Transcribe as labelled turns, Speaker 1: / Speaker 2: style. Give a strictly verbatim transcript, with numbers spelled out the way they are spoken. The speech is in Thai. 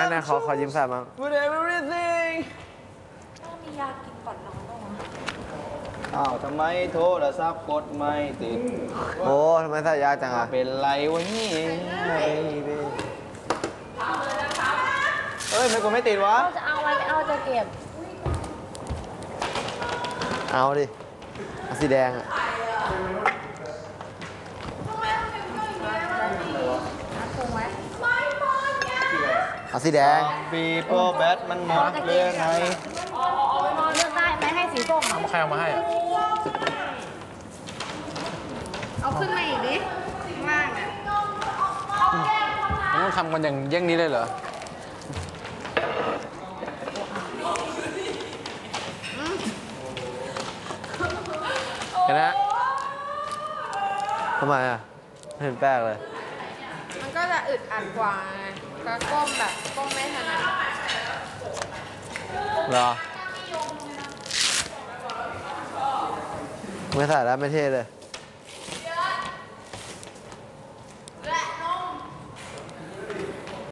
Speaker 1: ไหนขอขอยิ้มใส่มั้ง
Speaker 2: With everything
Speaker 3: ต้องมียากินก่อนนอนบ้างวะ
Speaker 2: อ้าวทำไมโทรศัพท์กดไม่ติด
Speaker 1: โอ้ทำไมใส่ยากจังอ่ะ
Speaker 2: เป็นไรวะนี่เอ้ยไม่กดไม่ติดวะ
Speaker 3: เราจะเอาอะไรไม่เอาจะเก็บ
Speaker 1: เอาดิเอาสีแดงอ่ะ
Speaker 3: ถูกไหม
Speaker 1: เอาสีแดง
Speaker 2: บีโปแบทมันหมดเรื่องไง
Speaker 3: เลือกได้ไหมให้สีส้มอ่ะ
Speaker 4: เอาใครเอามาให้
Speaker 3: เอาขึ้นมาอีกดิข้างล่างอ่ะ
Speaker 4: มันต้องทำกันอย่างเยี่ยงนี้เลยเหรอ เห็นไหม
Speaker 1: ทำไมอ่ะไม่เห็นแปลกเลย
Speaker 5: มันก็จะอึดอัดกว่าไงก็ก้มแบบก้มไม่ถนัด
Speaker 1: เหรอ ไม่ใส่แล้วไม่เท่เลย